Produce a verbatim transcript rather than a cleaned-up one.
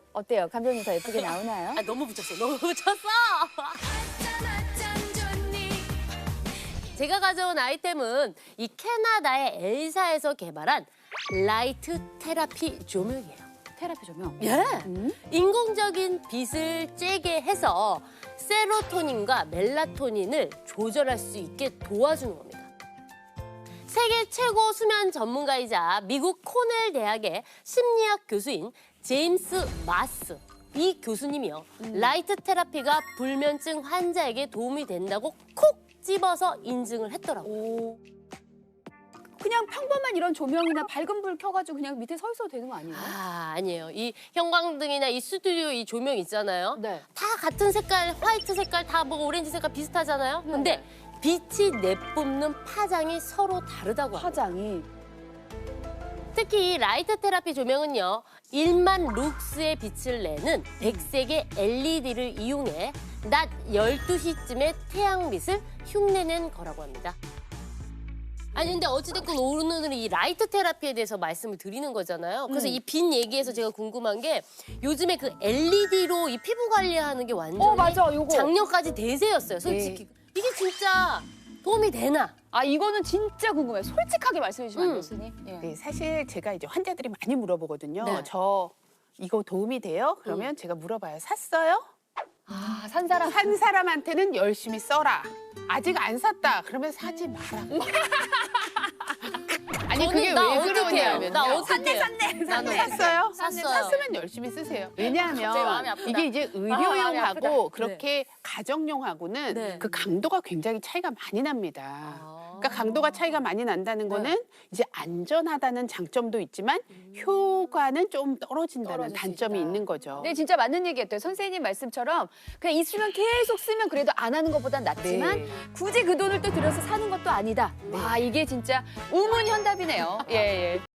어때요? 감독님 더 예쁘게 나오나요? 아, 너무 붙였어. 너무 붙였어. 제가 가져온 아이템은 이 캐나다의 엘사에서 개발한 라이트 테라피 조명이에요. 테라피 조명. 예. 음? 인공적인 빛을 쬐게 해서 세로토닌과 멜라토닌을 조절할 수 있게 도와주는 겁니다. 세계 최고 수면 전문가이자 미국 코넬 대학의 심리학 교수인 제임스 마스. 이 교수님이요. 음. 라이트 테라피가 불면증 환자에게 도움이 된다고 콕 집어서 인증을 했더라고요. 오. 그냥 평범한 이런 조명이나 밝은 불 켜가지고 그냥 밑에 서 있어도 되는 거 아니에요? 아, 아니에요. 이 형광등이나 이 스튜디오 이 조명 있잖아요. 네. 다 같은 색깔, 화이트 색깔, 다 뭐 오렌지 색깔 비슷하잖아요. 네. 근데 빛이 내뿜는 파장이 서로 다르다고 합니다. 화장이. 특히 이 라이트 테라피 조명은요. 일만 룩스의 빛을 내는 백색의 엘이디를 이용해 낮 열두 시쯤에 태양빛을 흉내낸 거라고 합니다. 아니 근데 어찌됐건 오늘은 이 라이트 테라피에 대해서 말씀을 드리는 거잖아요. 그래서 음. 이 빛 얘기에서 제가 궁금한 게 요즘에 그 엘이디로 이 피부 관리하는 게 완전히 어, 맞아, 요거. 작년까지 대세였어요, 솔직히. 이게 진짜 도움이 되나? 아, 이거는 진짜 궁금해요. 솔직하게 말씀해 주시면 안 음. 돼요, 교수님? 예. 네, 사실 제가 이제 환자들이 많이 물어보거든요. 네. 저 이거 도움이 돼요? 그러면 제가 물어봐요. 샀어요? 아, 산 사람. 산 사람한테는 열심히 써라. 아직 안 샀다. 그러면 사지 마라. 아니 저는 그게 나 왜 어떡해요? 그러냐면요. 나 어떡해요? 샀네. 나는 샀어요? 샀어요. 샀으면 열심히 쓰세요. 갑자기 마음이 왜냐하면 아프다. 이게 이제 아, 마음이 아프다. 의료용하고 그렇게 가정용하고는 네. 그 강도가 굉장히 차이가 많이 납니다. 아. 그러니까 강도가 차이가 많이 난다는 네. 거는 이제 안전하다는 장점도 있지만 효과는 좀 떨어진다는 떨어질 수 단점이 있다. 있는 거죠. 네, 진짜 맞는 얘기였대요. 선생님 말씀처럼 그냥 있으면 계속 쓰면 그래도 안 하는 것보단 낫지만 네. 굳이 그 돈을 또 들여서 사는 것도 아니다. 와, 이게 진짜 우문현답이네요. 예, 예.